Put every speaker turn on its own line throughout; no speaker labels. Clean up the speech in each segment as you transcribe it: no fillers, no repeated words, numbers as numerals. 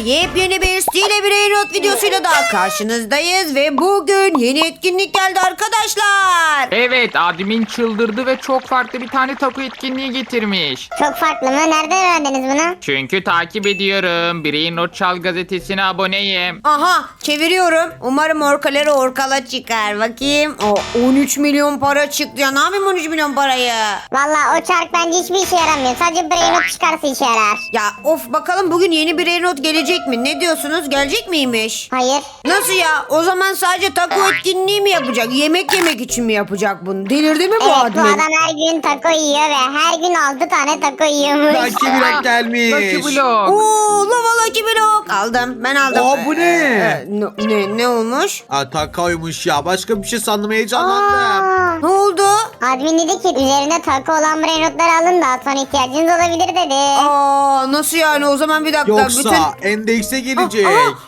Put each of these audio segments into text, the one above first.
Yepyeni bir Stile Brainrot videosuyla daha karşınızdayız ve bugün yeni etkinlik geldi arkadaşlar.
Evet, admin çıldırdı ve çok farklı bir tane tapu etkinliği getirmiş.
Çok farklı mı? Nereden öğrendiniz bunu?
Çünkü takip ediyorum. Brainrot Çal gazetesine aboneyim.
Aha, çeviriyorum. Umarım orkaları orkala çıkar. Bakayım. O 13 milyon para çıktı ya. Ne yapayım 13 milyon parayı?
Valla o çark bence hiçbir işe yaramıyor. Sadece Brainrot çıkarsa işe yarar.
Ya of, bakalım bugün yeni bir Brainrot gelecek mi? Ne diyorsunuz? Gelecek miymiş?
Hayır.
Nasıl ya? O zaman sadece taco etkinliği mi yapacak? Yemek yemek için mi yapacak bunu? Delirdi mi bu
Evet,
admin?
bu adam her gün taco yiyor ve her gün 6 tane taco yiyormuş.
Lucky Block gelmiş.
Lucky Block.
Oo, lava Lucky Block. Aldım. Ben aldım.
Aa, bu ne?
Ne olmuş?
Aa, takoymuş ya. Başka bir şey sandım, heyecanlandım.
Ne oldu?
Admin dedi ki üzerinde taco olan Brainrot'ları alın daha sonra ihtiyacınız olabilir dedi.
Aa, nasıl yani? O zaman bir dakika.
Yoksa endekse gelecek.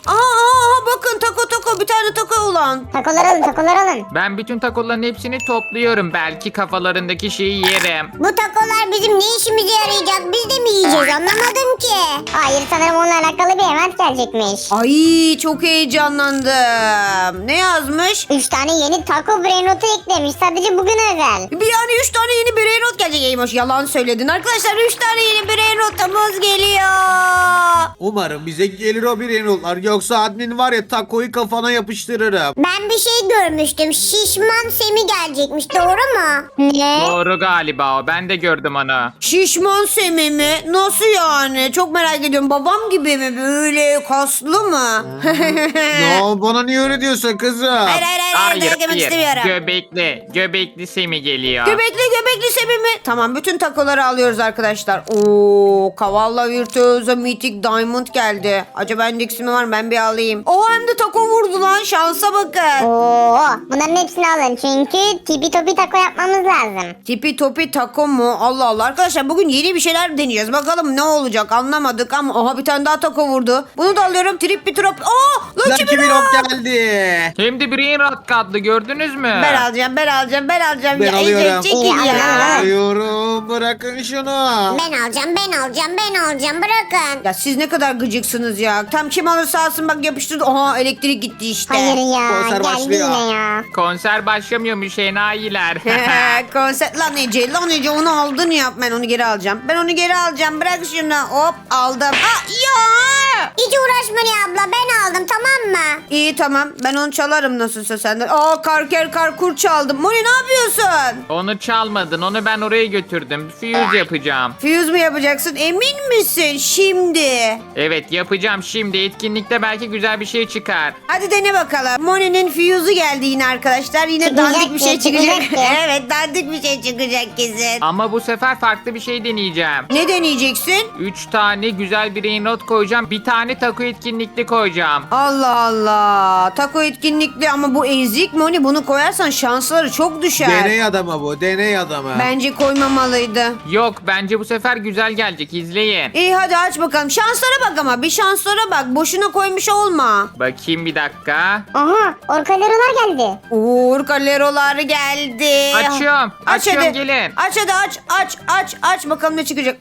Bakın taco bir tane taco olan.
Takolar alın, takolar alın.
Ben bütün takoların hepsini topluyorum. Belki kafalarındaki şeyi yerim.
Bu takolar bizim ne işimize yarayacak? Biz de mi yiyeceğiz? Anlamadım ki. Hayır, sanırım onunla alakalı bir event gelecekmiş.
Ay, çok heyecanlandım. Ne yazmış?
3 tane yeni taco Brainrot'u eklemiş. Sadece bugün özel.
Bir yani 3 tane yeni Brainrot gelecek. Eymoş, yalan söyledin. Arkadaşlar 3 tane yeni Brainrot'umuz geliyor.
Umarım bize gelir o Brainrot'lar. Yoksa admin var ya, takoyu kafana yapıştırırım.
Ben bir şey görmüştüm. Şişman Semi gelecekmiş. Doğru mu? Ne?
Doğru galiba o. Ben de gördüm onu.
Şişman Semi mi? Nasıl yani? Çok merak ediyorum. Babam gibi mi? Böyle kaslı mı?
Ya bana niye öyle diyorsun kızım?
Hayır, dayak yemek istemiyorum.
Göbekli Semi geliyor.
Göbekli Semi mi? Tamam, bütün takoları alıyoruz arkadaşlar. Oo, Kavalla Virtuoso Mythic Diamond geldi. Acaba endeksi mi var? Ben bir alayım. O hem de taco vurdu lan. Şansa bakın.
Oo, bunların hepsini alın çünkü tipi topi taco yapmamız lazım.
Tipi topi taco mu? Allah Allah. Arkadaşlar bugün yeni bir şeyler deneyeceğiz. Bakalım ne olacak, anlamadık ama aha, bir tane daha taco vurdu. Bunu da alıyorum. Trip bir trop. Aa,
Lucky Block geldi.
Hem de Brainrot katlı, gördünüz mü?
Ben alacağım.
Ben
Ya,
alıyorum.
çekil
İyi,
ya.
Alıyorum. Bırakın şunu.
Ben alacağım bırakın.
Ya siz ne kadar gıcıksınız ya. Tam kim alırsa alsın, bak yapıştırdı. Aha, elektrik gitti işte.
Hayır ya,
Konser
geldi
başlıyor.
yine ya.
Konser başlamıyormuş enayiler.
Konser lan Ece onu aldın ya. Ben onu geri alacağım. Bırak şunu. Hop, aldım. Ya.
Hiç uğraşma ya abla, ben aldım, tamam mı?
İyi, tamam. Ben onu çalarım nasılsa senden. Karkur çaldım. Moni, ne yapıyorsun?
Onu çalmadın. Onu ben oraya götürdüm. Fuse yapacağım.
Fuse mu yapacaksın? Emin misin şimdi?
Evet, yapacağım şimdi. Etkinlikte belki güzel bir şey çıkar.
Hadi dene bakalım. Moni'nin fuse'u geldi yine arkadaşlar. Yine
Çıkacak
dandik bir şey
ki,
çıkacak.
çıkacak ki.
Evet, dandik bir şey çıkacak kesin.
Ama bu sefer farklı bir şey deneyeceğim.
Ne deneyeceksin?
3 tane güzel Brainrot koyacağım. Bir tane taco etkinlikli koyacağım.
Allah Allah. Taco etkinlikli ama bu ezik Moni. Bunu koyarsan şansları çok düşer.
Deney adamı bu. Deney adamı.
Bence koymamalıydı.
Yok, bence bu sefer güzel gelecek. İzleyin.
İyi, hadi aç bakalım. Şanslara bak ama. Bir şanslara bak. Boşuna koymuş olma.
Bakayım bir dakika.
Aha, orkalerolar geldi.
Uğur Kalerolar geldi.
Açıyorum.
Aç
Açıyorum,
hadi.
gelin.
Aç hadi, aç bakalım ne çıkacak.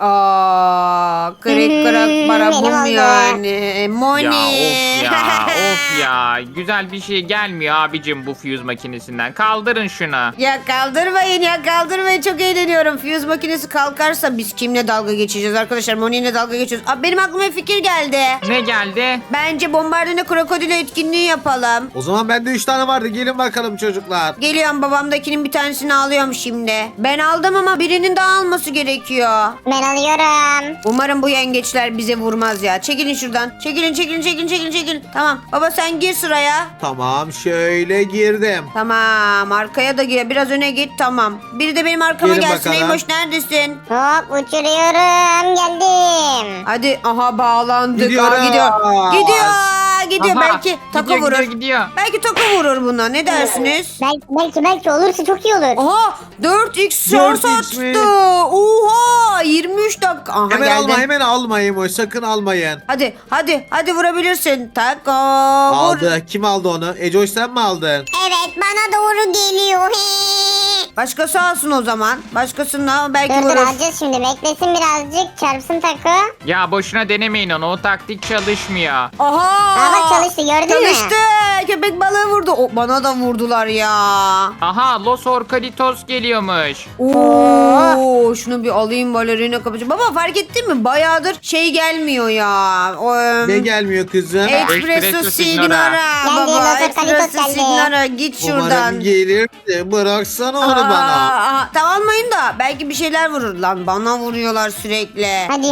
Kırık
benim
barabum
oldu.
yani. Moni.
Of ya. Güzel bir şey gelmiyor abicim bu fuse makinesinden. Kaldırın şunu.
Ya kaldırmayın, çok eğleniyorum. Fuse makinesi kalkarsa biz kimle dalga geçeceğiz arkadaşlar? Moni'yle dalga geçiyoruz. Benim aklıma bir fikir geldi.
Ne geldi?
Bence bombardine krokodile etkinliği yapalım.
O zaman bende 3 tane vardı. Gelin bakalım çocuklar.
Geliyorum, babamdakinin bir tanesini alıyorum şimdi. Ben aldım ama birinin daha alması gerekiyor.
Ben alıyorum.
Umarım bu yengeçler bize vurmaz ya. Çekilin şuradan. Çekilin. Tamam. Baba sen gir sıraya.
Tamam, şöyle girdim.
Tamam. Arkaya da gir. Biraz öne git. Tamam. Biri de benim arkama
Gelin
gelsin.
bakalım.
Eymoş, neredesin?
Hop, uçuruyorum, geldim.
Hadi. Aha, bağlandık.
Gidiyoruz.
Gidiyor.
Aha,
Belki taco vurur.
Gidiyor.
Belki taco vurur buna. Ne dersiniz?
Belki olursa çok iyi olur.
Aha, 4x şans
4x mi?
attı. Oha, 23 dakika. Aha,
Hemen
geldi.
hemen almayın o. Sakın almayın.
Hadi vurabilirsin. Taco vur.
Aldı. Kim aldı onu? Ecoş, sen mi aldın?
Evet, bana doğru geliyor.
Başkası alsın o zaman. Başkasına belki
Dur dur
vurur.
alacağız şimdi. Beklesin birazcık. Çarpsın Taco.
Ya boşuna denemeyin onu. O taktik çalışmıyor.
Aha.
Aa, bak çalıştı, gördün mü?
Çalıştı. Köpek balığı vurdu. O, bana da vurdular ya.
Aha Los Orcalitos geliyormuş.
Oo, şunu bir alayım balerina kapıcı. Baba fark ettin mi? Bayağıdır şey gelmiyor ya. O,
Ne gelmiyor kızım?
Espresso
Espresso
Signora.
Signora.
Geldi,
Baba
Los Orcalitos
Espresso
geldi.
Signora git şuradan.
Umarım gelir de bıraksana onu bana.
Aa, tamam almayın da belki bir şeyler vurur lan. Bana vuruyorlar sürekli.
Hadi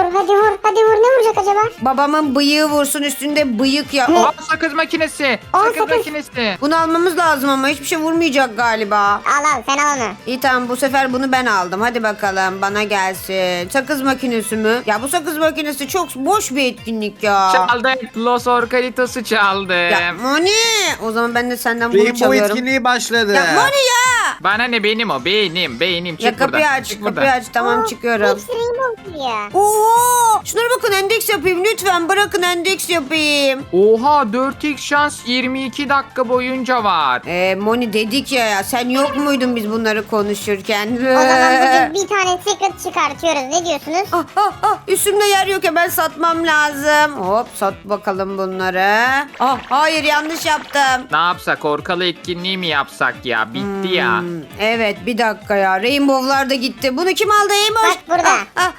hadi vur. Ne vuracak acaba?
Babamın bıyığı vursun üstünde bıyık ya.
Aa, sakız makinesi.
Aa,
Sakız
sakız.
makinesi.
Bunu almamız lazım ama hiçbir şey vurmayacak galiba.
Al sen al onu.
İyi tamam bu sefer bunu ben aldım. Hadi bakalım bana gelsin. Sakız makinesi mi? Ya bu sakız makinesi çok boş bir etkinlik ya.
Çaldık. Los Orcalitos'u çaldım.
Ya Moni. O zaman ben de senden bunu
Rainbow
çalıyorum.
etkinliği başladı.
Ya Moni ya.
Bana ne benim o. Benim. Çık
Ya kapıyı
buradan.
aç
Çık
kapıyı
buradan.
aç. Tamam çıkıyorum.
Hepsi rainbow duruyor.
Oo! Şunlara bakın endeks yapayım lütfen. Bırakın endeks yapayım.
Oha 4x şans 22 dakika boyunca var.
Moni dedik ya sen yok muydun biz bunları konuşurken?
O zaman bugün bir tane secret çıkartıyoruz. Ne diyorsunuz?
Üstümde yer yok ya ben satmam lazım. Hop sat bakalım bunları. Hayır yanlış yaptım.
Ne yapsak orkalı etkinliği mi yapsak ya? Bitti ya.
Evet bir dakika ya. Rainbow'lar da gitti. Bunu kim aldı Eymoş?
Bak burada.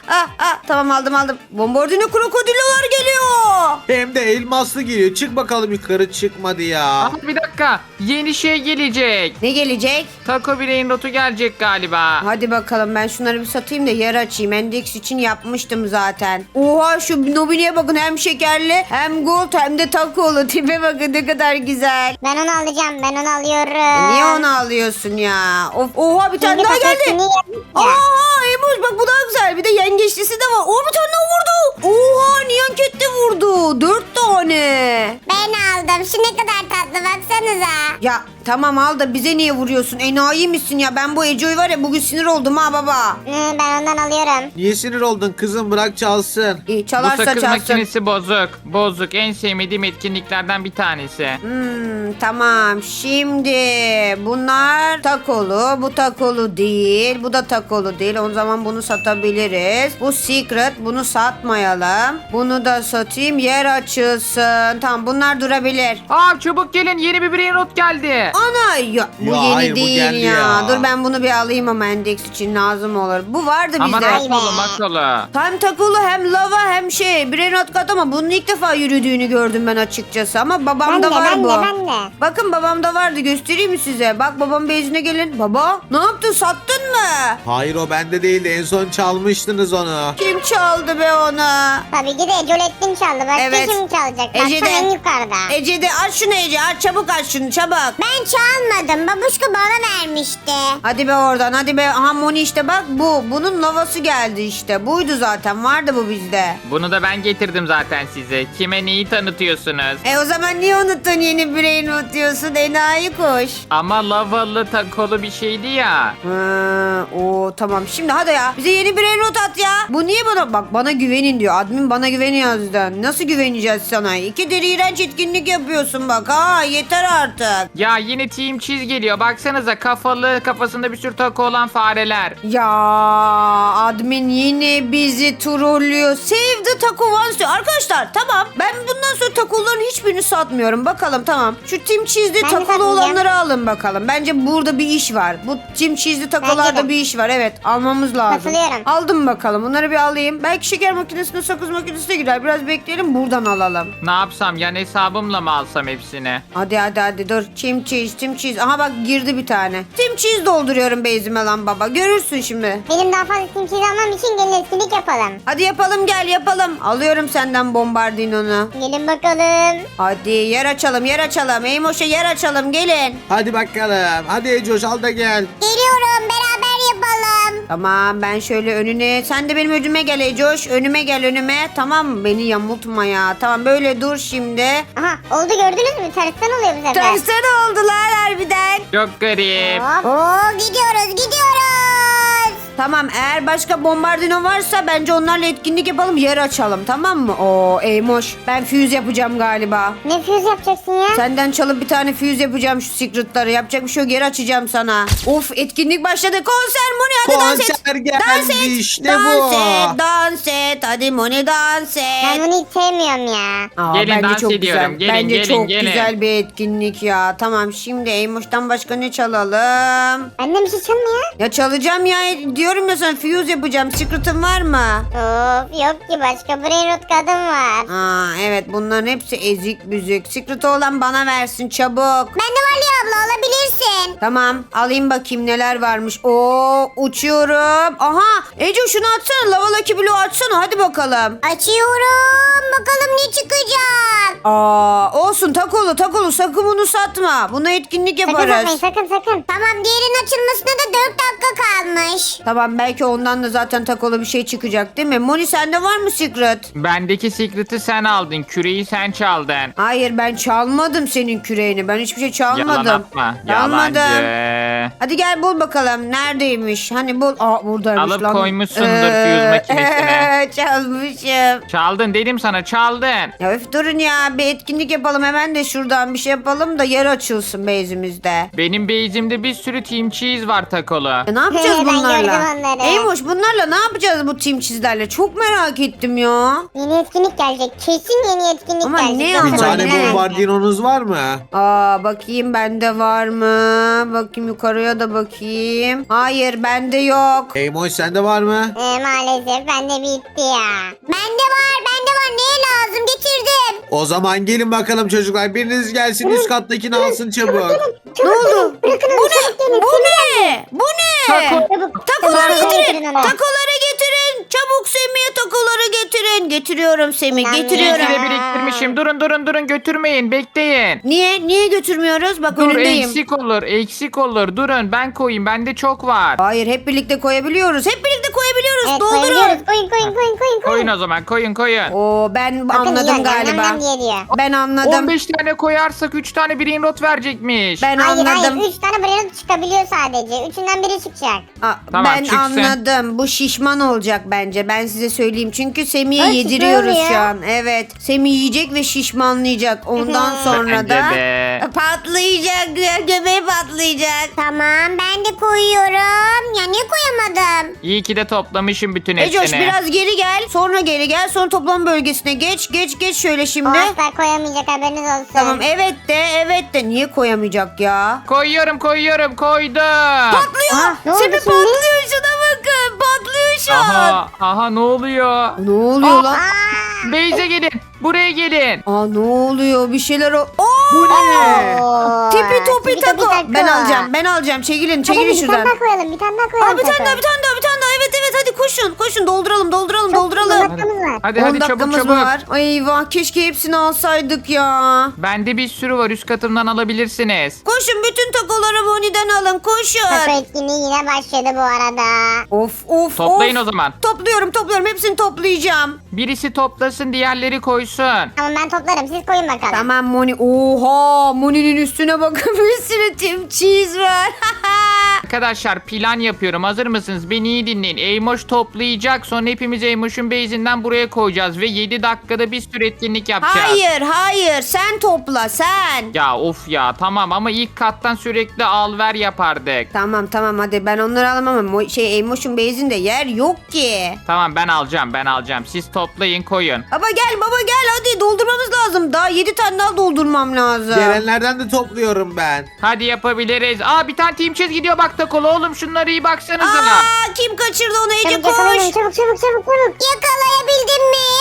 Tamam aldım. Bombardino krokodilolar geliyor.
Hem de elmaslı geliyor. Çık bakalım yukarı çıkmadı ya.
Aha bir dakika. Yeni şey gelecek.
Ne gelecek?
Taco Brain rotu gelecek galiba.
Hadi bakalım ben şunları bir satayım da yer açayım. Endeks için yapmıştım zaten. Oha şu Nobini'ye bakın hem şekerli hem gold hem de takolu. Tipe bakın ne kadar güzel.
Ben onu alacağım. Ben onu alıyorum.
Niye onu alıyorsun ya? Oha bir tane
Çünkü
daha geldi.
paketini yedik ya.
Oha Emoş bak bu daha güzel. Bir de yengeçlisi de var. Bir tane daha vurdu. Oha Niyanket de vurdu. 4 tane.
Ben aldım. Şu ne kadar tatlı baksanıza.
Ya tamam al da bize niye vuruyorsun? Enayi misin ya? Ben bu Eco'yu var ya bugün sinir oldum ha baba.
Ben ondan alıyorum.
Niye sinir oldun kızım, bırak çalsın.
İyi
Bu
çalarsa
sakız
çalsın.
makinesi bozuk. Bozuk. En sevmediğim etkinliklerden bir tanesi.
Tamam şimdi bunlar takolu, bu takolu değil, bu da takolu değil. O zaman bunu satabiliriz. Bu secret, bunu satmayalım. Bunu da satayım, yer açılsın. Tamam bunlar durabilir.
Aa çabuk gelin yeni bir brain rot geldi.
Ana ya bu
Ya
yeni
hayır, bu
değil
geldi
ya.
ya.
Dur ben bunu bir alayım ama endeks için lazım olur. Bu vardı
Ama
bizde.
makolu.
Hem takolu hem lava hem Brainrot kat ama bunun ilk defa yürüdüğünü gördüm ben açıkçası. Ama babamda var bu.
Ben de.
Bakın babamda vardı göstereyim mi size? Bak babam bezine gelin. Baba ne yaptın sattın mı?
Hayır o bende değildi, en son çalmıştınız onu.
Kim çaldı be onu?
Tabii ki de Ecolettin çaldı. Başka
Evet.
kim çalacak?
Ece
Baksana en
de.
yukarıda.
Ece de aç şunu Ece aç çabuk aç şunu çabuk.
Ben çalmadım. Babuşka bana vermişti.
Hadi be oradan hadi be. Aha Moni işte bak bu. Bunun lavası geldi işte. Buydu zaten vardı bu bizde.
Bunu da ben getirdim zaten size. Kime neyi tanıtıyorsunuz?
O zaman niye unuttun yeni Brainrot diyorsun enayi kuş.
Ama lavalı takolu bir şeydi ya.
Tamam şimdi hadi ya bize yeni bir not at ya. Bu niye bana güvenin diyor. Admin bana güveniyor azdan. Nasıl güveneceğiz sana? 2 deri iğrenç etkinlik yapıyorsun bak ha yeter artık.
Ya yeni Team Cheese geliyor. Baksanıza kafasında bir sürü taco olan fareler.
Ya admin yine bizi trollüyor. Save the taco once diyor. Arkadaşlar tamam ben bundan sonra takoların hiçbirini satmıyorum. Bakalım tamam. Şu Team Cheese'de
Ben de
takolu
satmayacağım.
olanları alın bakalım. Bence burada bir iş var. Bu Team Cheese'de takolarda
Bence de.
bir iş var. Evet almamız lazım.
Katılıyorum.
Aldım bakalım. Bunları bir alayım. Belki şeker makinesine sakız makinesine girer. Biraz bekleyelim buradan alalım.
Ne yapsam yani hesabımla mı alsam hepsini?
Hadi dur. Team Cheese. Aha bak girdi bir tane. Team Cheese dolduruyorum bezime lan baba. Görürsün şimdi.
Benim daha fazla simsiz almam için gelin etkinlik yapalım.
Hadi yapalım gel yapalım. Alıyorum senden bombardinonu.
Gelin bakalım.
Hadi yer açalım. Eymoş'a yer açalım gelin.
Hadi bakalım. Hadi Ecoş al da gel.
Geliyorum beraber yapalım.
Tamam ben şöyle önüne. Sen de benim önüme gel Ecoş. Önüme gel önüme. Tamam mı? Beni yamultma ya. Tamam böyle dur şimdi.
Aha oldu gördünüz mü? Tersten oluyor bu sefer.
Tersten oldular harbiden.
Çok garip.
Hop. Oo gidiyoruz.
Tamam, eğer başka bombardino varsa bence onlarla etkinlik yapalım, yer açalım, tamam mı? Oo Eymoş, ben füze yapacağım galiba.
Ne füze yapacaksın ya?
Senden çalıp bir tane füze yapacağım şu secretları. Yapacak bir şey yok, yer açacağım sana. Of, etkinlik başladı. Konser Moni, hadi dans et.
Konser geldi,
Dans et.
işte
dans
bu.
et. Dans et. Hadi Moni, dans
Ben
et.
bunu hiç sevmiyorum ya.
Aa,
Gelin,
bence
dans
çok
ediyorum.
güzel.
Gelin,
bence
gelin,
çok
gelin.
güzel bir etkinlik ya. Tamam, şimdi Eymoş'tan başka ne çalalım?
Benden bir şey çalmıyor.
Ya çalacağım ya, diyorum ya sana, fuse yapacağım. Secret'ın var mı?
Of yok ki, başka brain rot kadın var.
Aa evet, bunların hepsi ezik büzük. Secret olan bana versin çabuk.
Bende var ya abla, alabilirsin.
Tamam, alayım bakayım neler varmış. Oo, uçuyorum. Aha Ece, şunu atsana, Lava Lucky Blue açsana, hadi bakalım.
Açıyorum. Bakalım ne çıkacak.
Aa olsun, takolu sakın bunu satma. Buna etkinlik
Sakın
yaparız.
satmayın, sakın. Tamam, diğerinin açılmasına da 4 dakika kalmış.
Tamam, belki ondan da zaten takolu bir şey çıkacak değil mi? Moni, sende var mı Secret?
Bendeki secret'ı sen aldın. Küreyi sen çaldın.
Hayır, ben çalmadım senin küreğini. Ben hiçbir şey çalmadım.
Yalan atma.
Çalmadım.
Yalancı.
Hadi gel bul bakalım. Neredeymiş? Hani bul. Aa buradaymış
Alıp
lan.
koymuşsundur fuse makinesine.
Çalmışım.
Çaldın dedim sana, çaldın.
Ya öf, durun ya. Bir etkinlik yapalım. Hemen de şuradan bir şey yapalım da yer açılsın base'imizde.
Benim base'imde bir sürü team cheese var takolu.
Ya ne yapacağız
Ben
bunlarla?
gördüm onları.
Eymoş, bunlarla ne yapacağız bu team çizlerle? Çok merak ettim ya.
Yeni etkinlik gelecek. Kesin yeni etkinlik
Ama
gelecek.
ne
Bakın
ama
Bir tane
ne?
bombardinonuz var mı?
Aa bakayım, bende var mı? Bakayım yukarıya da bakayım. Hayır, bende yok.
Eymoş sende var mı?
Maalesef bende bitti ya. Bende var. Neye lazım? Getirdim.
O zaman gelin bakalım çocuklar. Biriniz gelsin üst kattakini alsın çabuk.
Ne oldu?
Bırakın onu, çabuk gelin.
Bu ne? Bu ne?
Çabuk.
Takoları getirin.
onu.
Takoları getirin. Çabuk Semih'e takoları getirin. Getiriyorum Semih,
Ben
getiriyorum.
İyi ki de biriktirmişim. Durun götürmeyin, bekleyin.
Niye götürmüyoruz? Bak
Dur,
önündeyim.
eksik olur. Durun, ben koyayım, bende çok var.
Hayır, hep birlikte koyabiliyoruz.
Evet,
Doldurun.
koyabiliyoruz. Koyun.
Koyun o zaman, koyun.
Oo, ben
Bakın
anladım
yiyor,
galiba.
yandan diye diyor.
Ben anladım.
15 tane koyarsak 3 tane brain rot verecekmiş.
Ben
Hayır,
anladım.
3 tane brain çıkabiliyor sadece. Üçünden biri çıkacak.
Aa,
Tamam,
ben
çıksın.
anladım. Bu şişman olacak bence. Ben size söyleyeyim. Çünkü Semih'e
Ay,
yediriyoruz
şişman
şu
ya.
an. Evet. Semih yiyecek ve şişmanlayacak. Ondan sonra
Bence
da
de.
patlayacak. Göbeği patlayacak.
Tamam, ben de koyuyorum. Ya niye koyamadım?
İyi ki de toplamışım bütün hepsini.
Ecoş, biraz geri gel. Sonra geri gel. Sonra toplam bölgesine geç. Geç şöyle
O
şimdi.
asla koyamayacak, haberiniz olsun.
Tamam, evet de. Niye koyamayacak ya?
Koydum.
Patlıyor.
ne oldu
Semih
şimdi?
patlıyor. Şuna bakın. Patlıyor şu an.
Aha, ne oluyor?
Ne oluyor lan?
Beyze gelin. Buraya gelin.
Aa, ne oluyor? Bir şeyler o.
Bu ne?
Oo,
Tipi topi
tipi
tako.
tako.
Ben alacağım. Çekilin
Hadi bir tane
şuradan.
daha koyalım. Bir tane daha
Aa,
koyalım.
bir tane
tako.
daha. Evet, hadi koşun. Dolduralım.
On dakikamız var.
Hadi
10
çabuk
dakikamız
çabuk.
var. Ay eyvah, keşke hepsini alsaydık ya.
Bende bir sürü var, üst katımdan alabilirsiniz.
Koşun, bütün takoları Bonnie'den alın.
Tako
Koşun.
etkinliği yine başladı bu arada.
Of.
Toplayın o zaman.
Topluyorum. Hepsini toplayacağım.
Birisi toplasın, diğerleri koysun.
Tamam, ben toplarım. Siz koyun bakalım.
Tamam Moni. Oha, Moni'nin üstüne bakın, bir sürü Team Cheese var.
Arkadaşlar, plan yapıyorum. Hazır mısınız? Beni iyi dinleyin. Eymoş toplayacak. Sonra hepimiz Eymoş'un base'inden buraya koyacağız. Ve 7 dakikada bir sürü etkinlik yapacağız.
Hayır. Sen topla, sen.
Ya of ya, tamam ama ilk kattan sürekli al ver yapardık.
Tamam hadi, ben onları alamam ama Eymoş'un base'inde yer yok ki.
Tamam, ben alacağım. Siz toplayın, koyun.
Baba gel hadi, doldurmamız lazım. Daha 7 tane daha doldurmam lazım.
Gelenlerden de topluyorum ben.
Hadi yapabiliriz. Aa, bir tane team chest gidiyor bak takolu. Oğlum şunlara iyi baksanıza.
Aa, kim kaçırdı onu? Ece,
Çabuk
koş.
yakalayın, çabuk. Yakalayabildim mi?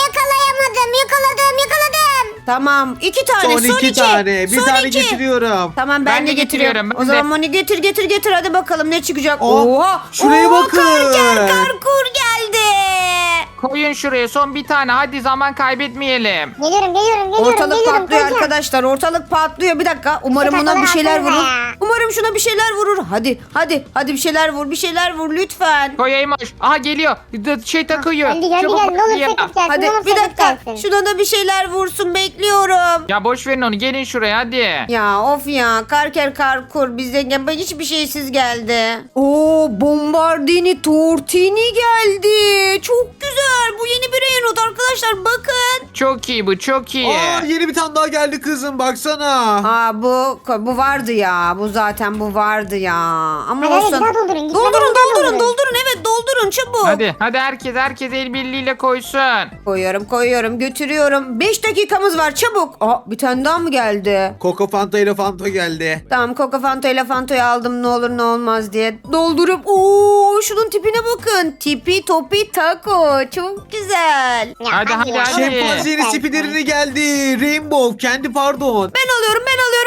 Yakaladım.
Tamam, 2 tane.
Son iki tane. Bir
Son
tane
iki.
getiriyorum.
Tamam,
Ben
ben
de
de getiriyorum.
getiriyorum, ben
O zaman
de.
Moni getir hadi bakalım ne çıkacak.
Oh,
Oha.
şuraya bakın.
Karkur geldi.
Koyun şuraya son bir tane. Hadi zaman kaybetmeyelim.
Geliyorum.
Ortalık patlıyor
koyacağım.
arkadaşlar. Ortalık patlıyor. Bir dakika. Umarım
Şu
buna bir
takıları
şeyler
atsanıza
vurur.
ya.
Umarım şuna bir şeyler vurur. Hadi bir şeyler vur. Bir şeyler vur lütfen.
Koy Eymoş. Aha geliyor. Şey takıyor.
Geldi.
Çabuk
Ne olur
ya.
sakız gelsin.
Hadi
ne olur
bir
sakız
dakika.
gelsin.
Şuna da bir şeyler vursun. Bekliyorum.
Ya boş verin onu. Gelin şuraya hadi.
Ya of ya. Karker karkur. Bizden hiçbir şeysiz geldi. Oo, Bombardini Tortini geldi. Çok güzel. Bu yeni bir Reynot arkadaşlar. Bakın.
Çok iyi bu çok iyi.
Aa, yeni bir tane daha geldi kızım baksana.
Aa, bu vardı ya. Bu vardı ya. Ama
Hadi,
olsun.
bir daha doldurun. Gitmeden
Doldurun,
bir daha
doldurun.
doldurun.
Evet, doldurun çabuk.
Hadi herkes el birliğiyle koysun.
Koyuyorum, götürüyorum. 5 dakikamız var çabuk. Aa, bir tane daha mı geldi?
Coco Fanta ile Fanta geldi.
Tamam, Coca Fanta ile Fanta'yı aldım ne olur ne olmaz diye. Doldurup şunun tipine bakın. Tipi topi taco. Çok güzel.
Ya,
Hadi,
ya.
hadi.
Şempanzenin spiderini geldi. Rainbow kendi pardon.
Ben alıyorum.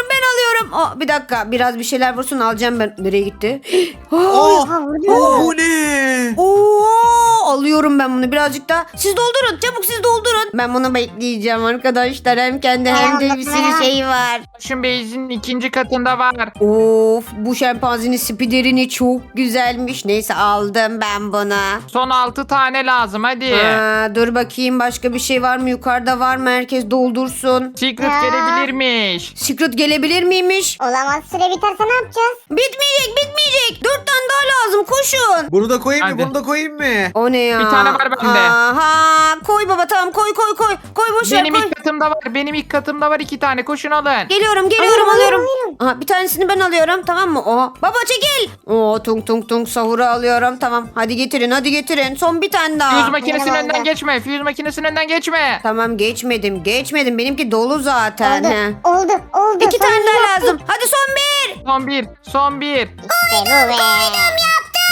Aa, bir dakika biraz bir şeyler vursun alacağım ben. Nereye gitti?
Oh,
vurdu.
bu ne?
Alıyorum ben bunu birazcık daha. Siz doldurun çabuk siz doldurun. Ben bunu bekleyeceğim arkadaşlar. Hem kendi hem de bir sürü şey var.
Şun Beyz'in ikinci katında var.
Of, bu şempanzenin spiderini çok güzelmiş. Neyse aldım ben bunu.
Son 6 tane lazım hadi.
Dur bakayım başka bir şey var mı? Yukarıda var mı? Herkes doldursun.
Secret
Ya.
gelebilirmiş.
Secret gelebilir miymiş?
Olamaz. Süre biterse ne yapacağız?
Bitmeyecek. 4 tane daha lazım. Koşun.
Bunu da koyayım
Hadi.
mı? Bunu da koyayım mı?
O ne ya?
Bir tane var bende.
Aha, koy baba tamam koy. Koy boş ver
Benim
koy.
ilk katımda var. Benim ilk katımda var 2 tane. Koşun alın.
Geliyorum alıyorum. Aha, bir tanesini ben alıyorum tamam mı? Baba çekil. Tung sahuru alıyorum tamam. Hadi getirin. Son bir tane daha.
Fuse makinesinin
Benim
önünden
oldu.
geçme. Fuse makinesinin önünden geçme.
Tamam geçmedim. Benimki dolu zaten. He.
Oldu.
2 tane
Sonunda
daha
yaptık.
lazım. Hadi son bir.
Son bir.
İşte bu be.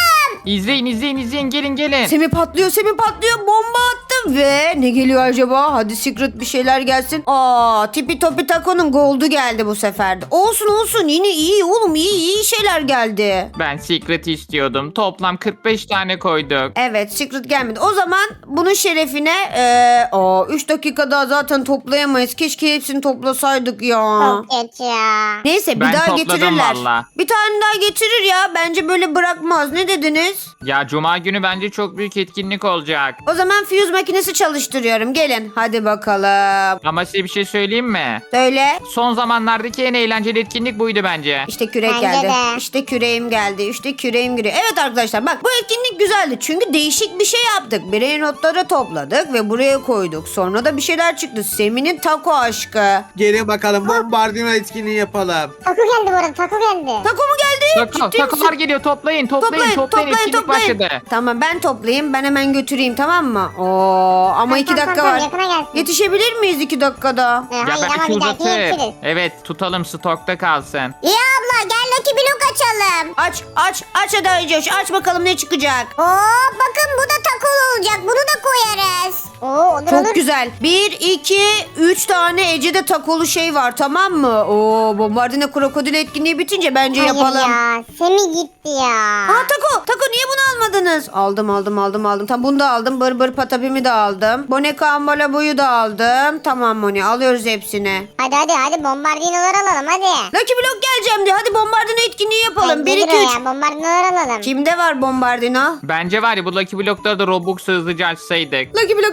İzleyin. Gelin.
Semi patlıyor. Bomba attım ve ne geliyor acaba? Hadi secret bir şeyler gelsin. Tipi topi takonun goldu geldi bu sefer de. Olsun. Yine iyi oğlum. İyi şeyler geldi.
Ben Secret istiyordum. Toplam 45 tane koyduk.
Evet secret gelmedi. O zaman bunun şerefine 3 dakika daha zaten toplayamayız. Keşke hepsini toplasaydık ya.
Çok geç ya.
Neyse bir
Ben
daha
topladım
getirirler.
valla.
Bir tane daha getirir ya. Bence böyle bırakmaz. Ne dediniz?
Ya Cuma günü bence çok büyük etkinlik olacak.
O zaman fuse makinesi çalıştırıyorum. Gelin. Hadi bakalım.
Ama size bir şey söyleyeyim mi?
Söyle.
Son zamanlardaki en eğlenceli etkinlik buydu bence.
İşte kürek
Bence
geldi.
de.
İşte küreğim geldi. İşte küreğim giriyor. Evet arkadaşlar bak bu etkinlik güzeldi. Çünkü değişik bir şey yaptık. Birey notları topladık ve buraya koyduk. Sonra da bir şeyler çıktı. Semi'nin taco aşkı.
Gelin bakalım bombardino etkinliği yapalım.
Taco geldi bu arada. Taco geldi.
Taco mu geldi? Ciddi
Takolar
misin?
geliyor toplayın etkinlik başladı.
Tamam ben toplayayım. Ben hemen götüreyim tamam mı? Ama 2 dakika
Tamam,
var.
yakına gelsin.
Yetişebilir miyiz 2 dakikada?
Ya
Hayır ama
belki
bir dahaki
uzatır.
yetişiriz.
Evet tutalım stokta kalsın.
Ya abla gel Lucky Block açalım.
Aç hadi Aycoş. Aç bakalım ne çıkacak.
Bakın bu da takol olacak. Bunu da koyarız. Olur
Çok güzel. 1, 2, 3 tane Ece'de takolu şey var tamam mı? Bombardine krokodil etkinliği bitince bence
Hayır
yapalım.
ya. Semi gitti ya.
Tako niye bunu almadınız? Aldım. Tam bunu da aldım. Bır patapimi de aldım. Boneka ambalaboyu da aldım. Tamam Moni alıyoruz hepsini.
Hadi bombardinolar alalım hadi.
Lucky Block geleceğim diye. Hadi bombardine etkinliği yapalım. 1, 2, 3.
ya bombardinolar alalım.
Kimde var bombardino?
Bence var ya bu Lucky Block'ları da Robux'u hızlıca açsaydık.
Lucky Block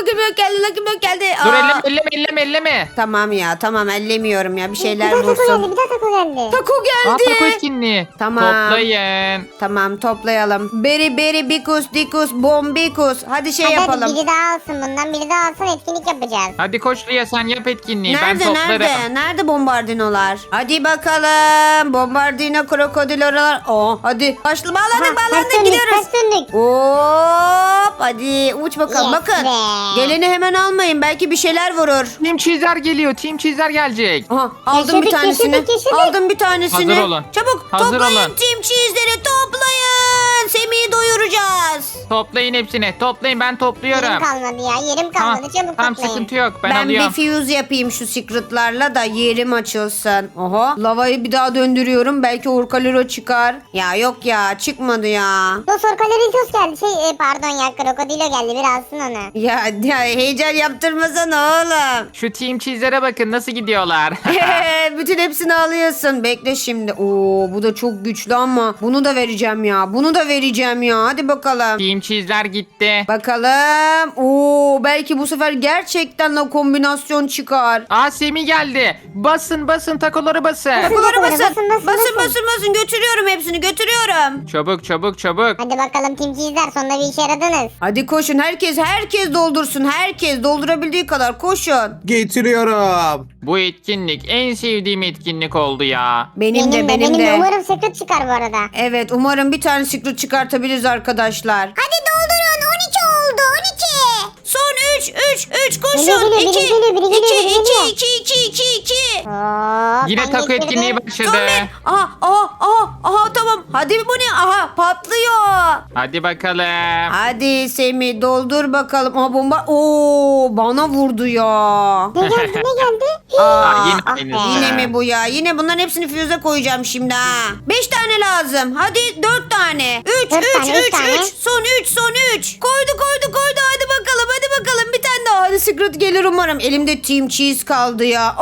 geldi.
Dur elleme.
Tamam ellemiyorum ya. Bir şeyler
Bir daha taco
bulsun.
geldi. Bir daha taco geldi.
Tako
Aa
geldi.
taco etkinliği.
Tamam.
Toplayın.
Tamam toplayalım. Beri bikus bombikus. Hadi şey
Hadi
yapalım.
biri daha alsın bundan. Biri daha alsın etkinlik yapacağız.
Hadi koş Lia sen yap etkinliği. Ben
Nerede
toplarım.
Nerede bombardinolar? Hadi bakalım. Bombardino krokodil oralar. Hadi. Bağlandık gidiyoruz.
Ters döndük.
Hop hadi uç bakalım.
Yes
Bakın.
be.
Geleni hemen almayın. Belki bir şeyler vurur.
Team Cheezer geliyor. Team Cheezer gelecek.
Aha, aldım bir tanesini.
Yaşadık.
Aldım bir tanesini.
Hazır olun.
Çabuk
Hazır
toplayın
olun.
Team Cheese'leri toplayın. Birazdan Semih'i doyuracağız.
Toplayın hepsini. Toplayın, ben topluyorum.
Yerim kalmadı ya. Yerim
Tamam,
kalmadı. Çabuk
tamam
toplayın.
sıkıntı yok. Ben
Ben bir
alıyorum.
fuse yapayım şu secretlarla da yerim açılsın. Oha, lavayı bir daha döndürüyorum. Belki Orkalero çıkar. Ya yok ya, çıkmadı ya.
Dos Orkaleritos geldi. Pardon ya. Krokodilo geldi. Bir alsın onu.
Ya heyecan yaptırmasana oğlum.
Şu team cheese'lere bakın nasıl gidiyorlar.
Bütün hepsini alıyorsun. Bekle şimdi. Oo, bu da çok güçlü ama bunu da vereceğim ya. Bunu da vereceğim ya. Hadi bakalım.
Team cheese'ler gitti.
Bakalım. Oo, belki bu sefer gerçekten la kombinasyon çıkar.
Aa Semih geldi. Basın takoları basın.
Takoları basın.
basın, basın,
Basın
basın.
basın. Götürüyorum hepsini götürüyorum.
Çabuk.
Hadi bakalım Team Cheese'ler. Sonunda bir işe yaradınız.
Hadi koşun, herkes doldursun. Herkes doldurabildiği kadar koşun.
Getiriyorum.
Bu etkinlik en sevdiğim etkinlik oldu ya.
Benim de.
Umarım secret çıkar bu arada.
Evet, umarım bir tane secret çıkartabiliriz arkadaşlar.
Hadi doldurun. 12 oldu. 12.
Son 3 koşun.
Geliyor, biri
2
geliyor, biri geliyor.
2.
Yine taco etkinliği başladı.
Son bir. Aha tamam. Hadi bu ne? Aha patlıyor.
Hadi bakalım.
Hadi Semih doldur bakalım. Aha bomba. Oo, bana vurdu ya.
Ne geldi?
Aa, yine
Ah
aynısı.
be.
Yine mi bu ya? Yine bunların hepsini füze koyacağım şimdi ha. 5 tane lazım. Hadi 4 tane. 3
Dört tane, üç tane.
Son 3. Koydu. Hadi bakalım. Bir tane daha. Hadi secret gelir umarım. Elimde Team Cheese kaldı ya.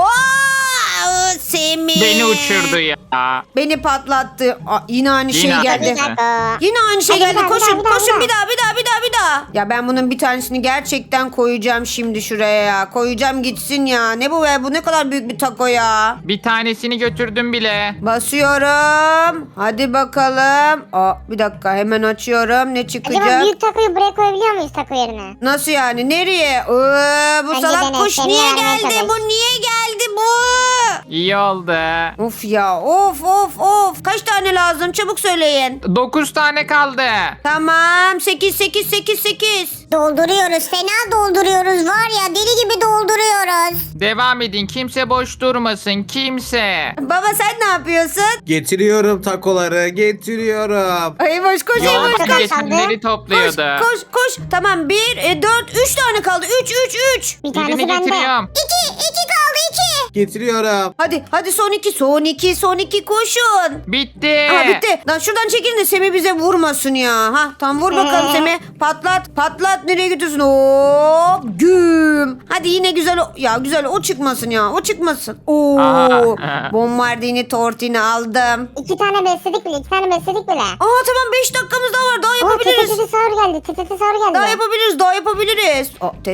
Semih.
Beni uçurdu ya.
Beni patlattı. Yine aynı şey
Yine
geldi.
aynı.
Taco.
Yine aynı şey
Hadi
geldi.
bir daha,
Koşun
bir daha,
koşun
bir
bir daha. Ya ben bunun bir tanesini gerçekten koyacağım şimdi şuraya ya. Koyacağım gitsin ya. Ne bu be? Bu ne kadar büyük bir taco ya.
Bir tanesini götürdüm bile.
Basıyorum. Hadi bakalım. Bir dakika hemen açıyorum. Ne
Acaba
çıkacak?
büyük takoyu buraya koyabiliyor muyuz taco yerine?
Nasıl yani? Nereye? Bu
Bence
salak
dene,
kuş
seni
niye
vermeye
geldi?
çalış.
Bu niye geldi bu?
İyi oldu.
Of ya. Of. Kaç tane lazım? Çabuk söyleyin.
9 tane kaldı.
Tamam. 8.
Dolduruyoruz. Fena dolduruyoruz. Var ya deli gibi dolduruyoruz.
Devam edin. Kimse boş durmasın. Kimse.
Baba sen ne yapıyorsun?
Getiriyorum takoları. Getiriyorum.
Ay boş koş
Yolda
koş.
kaldı.
geçenleri topluyordu.
Koş. Tamam 1, 4, 3 tane kaldı. 3.
Bir tanesi
Birini
bende.
getiriyorum.
2 kaldı 2.
Getiriyorum.
Hadi son 2 koşun.
Bitti.
Bitti. Lan şuradan çekilin de Semih bize vurmasın ya. Tam vur bakalım Semih. Patlat. Nereye gidiyorsun? Hop. Güm. Hadi yine güzel o çıkmasın ya. O çıkmasın. Oo.
Aha.
Bombardini tortini aldım.
2 tane besledik bile.
Tamam 5 dakikamız daha var. Daha yapabiliriz.
Tete sahur geldi.
Daha yapabiliriz.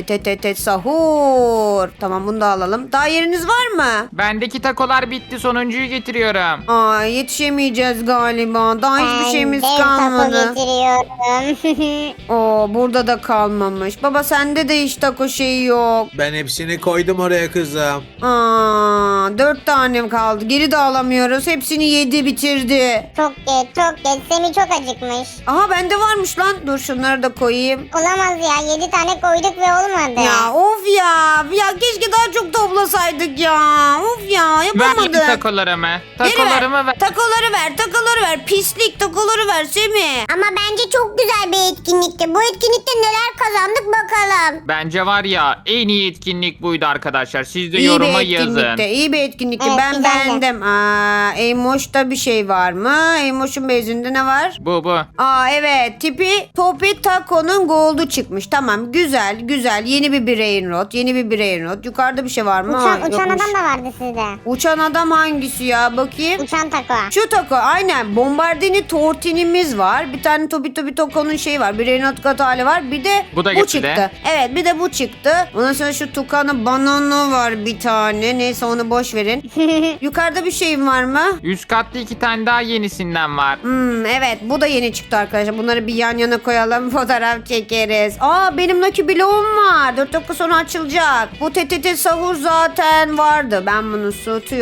Sahur. Tamam bunu da alalım. Daha yeriniz var mı?
Bendeki takolar bitti. Sonuncuyu getiriyorum.
Yetişemeyeceğiz galiba. Daha hiçbir şeyimiz
Ben
kalmadı.
dev taco getiriyorum.
Burada da kalmamış. Baba sende de hiç taco şeyi yok.
Ben hepsini koydum oraya kızım.
4 tane kaldı. Geri de alamıyoruz. Hepsini yedi bitirdi.
Çok geç. Semih çok acıkmış.
Aha bende varmış lan. Dur şunları da koyayım.
Olamaz ya. 7 tane koyduk ve olmadı.
Ya of ya. Ya keşke daha çok toplasaydık ya. Of ya
Ver
yapamadık.
takolarımı.
Geri
Takolarımı ver.
Takoları ver. Pislik takoları ver Semih.
Ama bence çok güzel bir etkinlikti. Bu etkinlikte neler kazandık bakalım.
Bence var ya en iyi etkinlik buydu arkadaşlar. Siz de
İyi
yoruma
bir
yazın.
etkinlikte. İyi bir etkinlikte.
Evet,
Ben
güzeldi.
beğendim. Eymoş'ta bir şey var mı? Eymoş'un bezinde ne var?
Bu.
Evet. Tipi Topi Taco'nun gold'u çıkmış. Tamam. Güzel. Yeni bir brain rot. Yukarıda bir şey var mı?
Uçan
Yokmuş.
adam da vardı sizde.
Uçan adam hangisi ya? Bakayım.
Uçan taco.
Şu taco aynen. Bombardini tortinimiz var. Bir tane Topi Taco'nun şeyi var. Brain rot kat hali var. Bir de
Bu da
bu
gitti
çıktı.
de.
Evet bir de bu çıktı. Ondan sonra şu Tukan'ı banana var bir tane. Neyse onu boş verin. Yukarıda bir şeyim var mı?
Üst katta 2 tane daha yenisinden var.
Evet bu da yeni çıktı arkadaşlar. Bunları bir yan yana koyalım. Fotoğraf çekeriz. Benim Lucky Bloğum var. 4 dakika sonra açılacak. Bu TTT sahur zaten vardı. Ben bunu tutuyorum.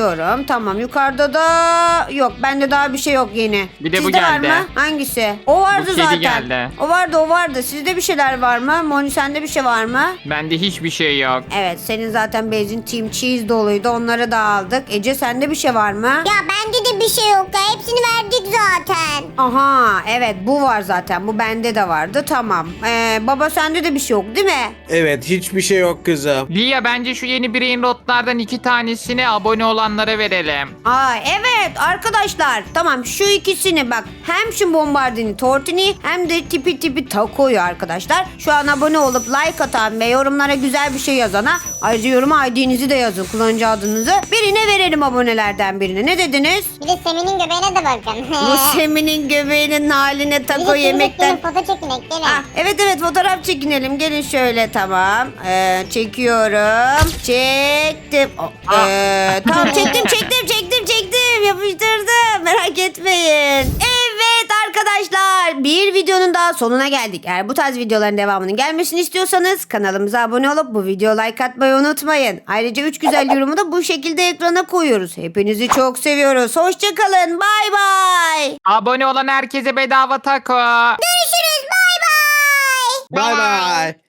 Tamam. Yukarıda da yok. Bende daha bir şey yok yeni.
Bir de bu
Sizde
geldi.
var mı? Hangisi? O vardı
Bu kedi
zaten.
geldi.
O vardı. Sizde bir şeyler var mı? Moni sende bir şey var mı?
Bende hiçbir şey yok.
Evet, senin zaten bezin Team Cheese doluydu. Onları da aldık. Ece sende bir şey var mı?
Ya bende de bir şey yok ya. Hepsini verdik zaten.
Aha, evet bu var zaten. Bu bende de vardı. Tamam. Baba sende de bir şey yok değil mi?
Evet hiçbir şey yok kızım.
Lia bence şu yeni brain rotlardan 2 tanesini abone olanlara verelim.
Aa evet arkadaşlar. Tamam şu ikisini bak. Hem şu bombardini tortini hem de tipi takoyu arkadaşlar. Şu an abone olup like atan ve yorumlara güzel bir şey yazana. Ayrıca yoruma ID'nizi de yazın. Kullanıcı adınızı. Birine verelim abonelerden birine. Ne dediniz?
Bir de Semin'in göbeğine de bakın.
Bu Semin'in göbeğinin haline taco yemekten.
Foto çekinek değil mi?
Ah, evet fotoğraf çekinelim. Gelin şöyle tamam. Çekiyorum. Çektim. Tamam çektim. Yapıştırdım. Merak etmeyin. Evet arkadaşlar. Bir videonun daha sonuna geldik. Eğer bu tarz videoların devamının gelmesini istiyorsanız kanalımıza abone olup bu videoya like atmayı unutmayın. Ayrıca 3 güzel yorumu da bu şekilde ekrana koyuyoruz. Hepinizi çok seviyoruz. Hoşçakalın. Bay bay.
Abone olan herkese bedava taco.
Görüşürüz. Bay bay.
Bay bay.